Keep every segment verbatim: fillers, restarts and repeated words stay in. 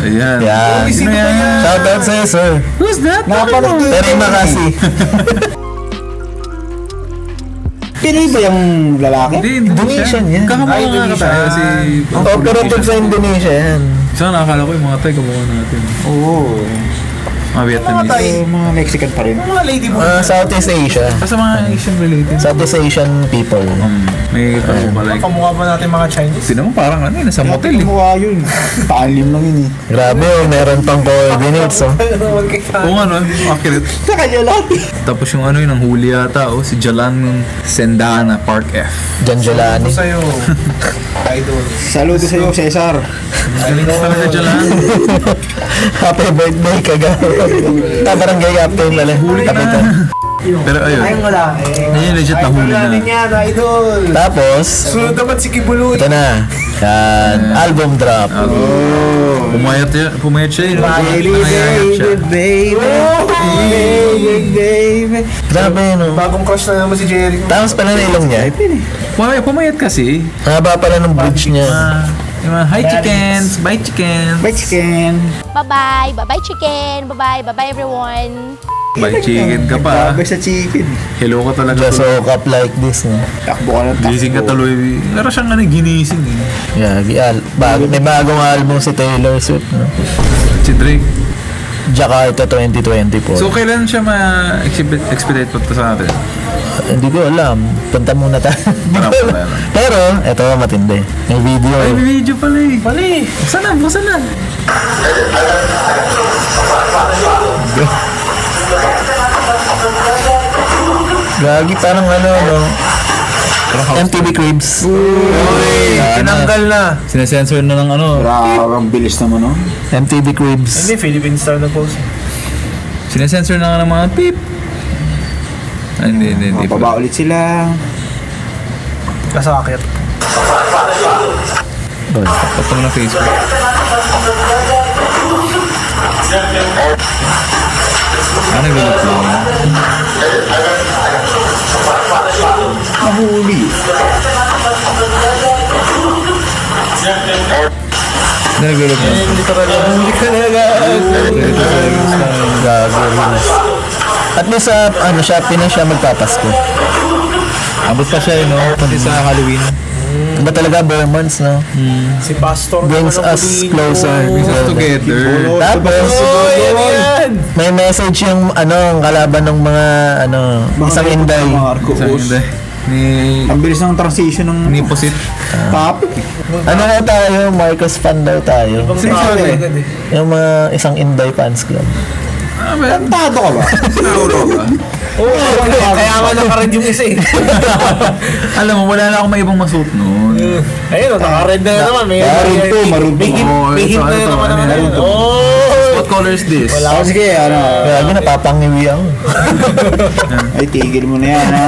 Ayan. Yan. Uy, sino yan? Shoutout sa'yo, sir. Who's that? Napanood ko. Terry Makasi. Pinoy ba yung lalaki? Hindi, Indonesian yan. Kakamukha Ay, nga Indonesian. tayo si... Operative sa Indonesia yan. Saan nakakala ko yung mga tayo kamukha natin. Oo. Mga Vietnamese. Tayo, mga Mexican pa rin. Mga lady mo. Uh, Southeast Asia. Kasi mga Asian related. Southeast Asian people. Um, may kamukha like... Kamukha ba natin mga Chinese? Sino mo parang ano eh, nasa motel eh. Mukha yun. Paalim lang yun eh. Grabe oh, meron pang coordinates oh. Oo nga no, accurate. Sa kanya lahat. Tapos yung ano yun, ang huli yata oh, si Jalan Sendana, Park F. Jan Jolani. Ito sa'yo. Idol. Saludo sa'yo, Cesar. Galing ka talaga Jalan. Happy birthday kagawa. Tabarangay captain pala. Kapitan. Pero ayun, wala. ayun legit na huli na. yan, idol. Tapos, Sunod naman si Kibuloy. ito na. Yan, album drop. Oh. Pumayat, yun, pumayat siya yun. Nangayayat siya. baby, baby, baby. Grabe no. Bagong crush na naman si Jerry. Tapos pala na ilong niya. Pumayat, pumayat kasi. Haba pala ng bridge niya. Ah, yung mga, hi chickens, bye chickens. Bye, chicken. Bye-bye. Bye-bye, chicken. Bye-bye. Bye-bye, everyone. Bye chicken ka pa. Grabe sa chicken. Hello ka talaga. Just woke up like this no. Takbo ka ng takbo. Gising ka tuloy. Pero siyang ano, ginising eh. Yagi, al bago, may bagong album si Taylor Swift no. Si Drake. Jakarta twenty twenty-four. So kailan siya ma-expedite pa sa atin? Hindi ko alam. Punta muna tayo. Wala pa tayo. Pero, eto matindi. May video. Ay, may video pala eh. Pala eh. Buksan na, buksan na. Gagi, parang ano, no? M T V Cribs. Uy, Tinanggal na. sinasensor na ng ano. Grabe, ang bilis naman, no? M T V Cribs. Hindi, Philippine Star na post. Sinasensor na nga ng mga beep. Ay, hindi, hindi, hindi. Mapaba ulit sila. Kasakit. Patong na Facebook. Ah, nag-look lang. Nahuli. Nag-look lang. Hindi ka na Gagi, Reels. At least sa, ano siya, Pinas siya magpapasko. Abot pa siya, eh, no? Pati sa Halloween. Iba talaga, bare months, no? Si Pastor. Brings naman ang us pumili closer. ko. Brings us together. Tapos, Oh, yan yan. may message yung, ano, ang kalaban ng mga, ano, isang inday. Marcos. Sa hindi. Ni... Ang bilis ng transition ng Ni Posit. topic. Ano na tayo, Marcos fan daw tayo. Sino Tao siya, eh? agad eh. Yung mga isang inday fans club. Ah, ba? Tado ka ba? Nauro ba? Oo, kaya nga naka-red yung isa eh. Alam mo, wala na akong may ibang masuot noon. Ayun, o, naka-red na naman. May Maroon to, maroon to. May hint, Oo, may ito, hint na ito, naman ano naman. yan? Oh! What color is this? Oh, sige, ano. Grabe, napapangiwi ako. Ay, tigil mo na yan, ha?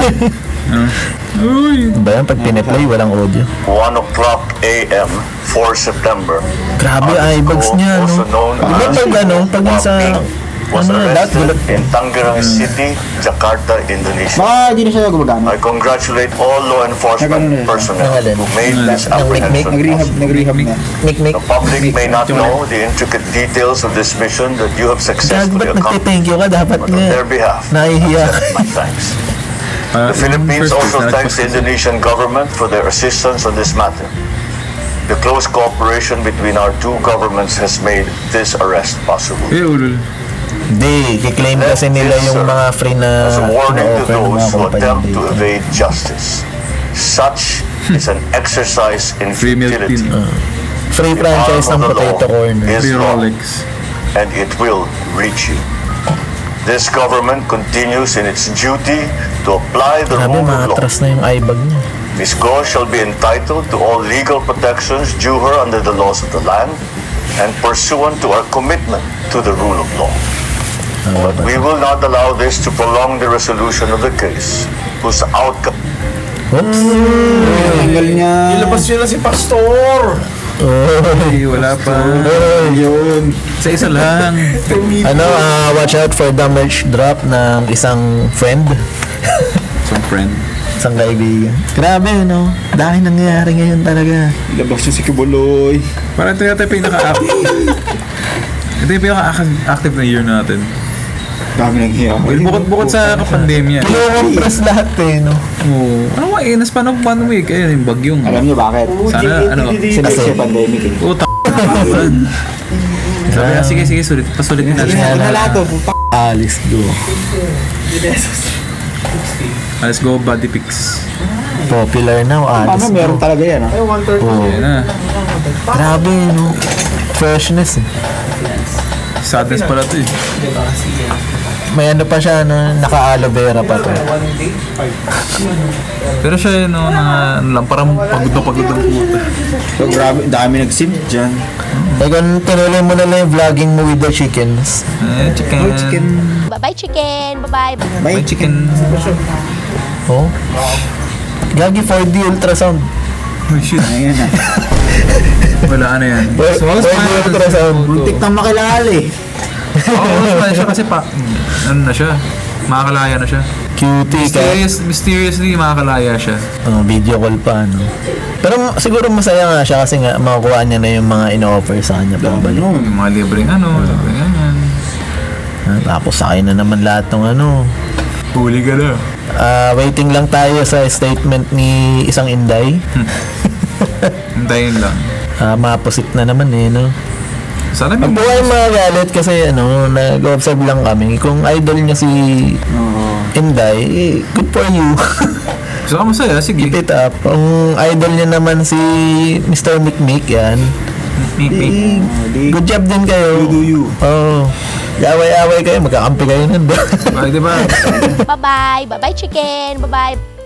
Uy! Ba yan, pag piniplay, walang audio. one o'clock a m four September. Grabe, eyebags niya, no? Also known Diba as pag ano, pag sa, was ano na, lahat, arrested gulat. in Tangerang City, Jakarta, Indonesia. Baka hindi na siya gumagana. I congratulate all law enforcement Nagano na. personnel Nangalan. who made this Ang make-make, apprehension Nag-rehab, possible. nag-rehab na. Nick-nick. The public may not know the intricate details of this mission that you have Gag, successfully ba't accomplished, nagte-thank you ka? Dapat but on nga, their behalf, nahihiya. my thanks. Uh, The Philippines first also week na thanks the nagpost- Indonesian government for their assistance on this matter. The close cooperation between our two governments has made this arrest possible. Eh, ulul. Hindi, kiklaim kasi nila yung mga free na As a warning to na-offer ng mga those who kumpanya attempt to dito. evade justice, such is an exercise in Free milk futility. tin. Free franchise ng Potato Corner. Is Free wrong, Rolex. and it will reach you. This government continues in its duty to apply the Grabe, rule of law. maatras na yung eyebag niya. Miz Go shall be entitled to all legal protections due her under the laws of the land and pursuant to our commitment to the rule of law. But we will not allow this to prolong the resolution of the case, whose outcome Oops. Tanggal niya. Ilabas yun na si Pastor. Eh, wala pa. Yun. Sa isa lang. Ano, ah, watch out for the merch drop ng isang friend. Some friend. Isang kaibigan. Grabe, no? Dahil nangyayari ngayon talaga. Labas yung si Kibuloy. Parang ito yata yung pinaka-up. Ito yung pinaka-active na year natin. Dami nang hiya. Well, bukod-bukod sa kapandemya. Kinukompress lahat eh, no? Oo. Ano nga eh, nas paano one week? Ayun, yung bagyong. Alam niyo bakit? Sana, ano, Sinabi sa pandemic eh. puta. Sabi na, sige, sige, sulit. Pasulitin natin. Ito na lahat to. puta. Alice go. Let's go, body pics. Popular na, Paano Alice meron go. talaga yan ah? Oh, Ayan na. grabe, no? Freshness eh. Sadness pala to eh. May ano pa siya, no? Naka-aloe vera pa to. Pero siya yun, no, na, ano lang, parang pagod na pagod ang puta. So grabe, dami nag-sim dyan. Like, tinuloy mo na lang yung vlogging mo with the chickens. Eh, chicken. Oh, chicken. Bye-bye, chicken. Bye-bye. May May chicken. Oh? Gagi four D ultrasound. Oh, shit. Ayan na. Wala ano yan. four D ultrasound. Muntik nang makilala eh. Oo, oh, siya kasi pa, ano na siya, makakalaya na siya. Cutie ka. Mysterious, mysteriously makakalaya siya. Oh, video call pa, no? Pero siguro masaya nga siya kasi nga makukuha niya na yung mga ino-offer sa kanya pabalik. Ano? Yung mga libreng ano, libreng ganyan. Ah, tapos sa akin na naman lahat ng ano. Huli ka na. Ah, waiting lang tayo sa statement ni isang Inday. Hintayin lang. Ah, maposit na naman eh, no? Sana may Ang buhay magalit kasi ano, nag-observe lang kami. Kung idol niya si Oo. Inday, eh, good for you. Gusto ka masaya, sige. Keep it up. Kung idol niya naman si Mister Mikmik, yan. Meet me. Eh, di- good job din kayo. You do you. Oo. Away-away kayo, magkakampi kayo nun. Ay, di ba? Bye-bye. Bye-bye, chicken. Bye-bye.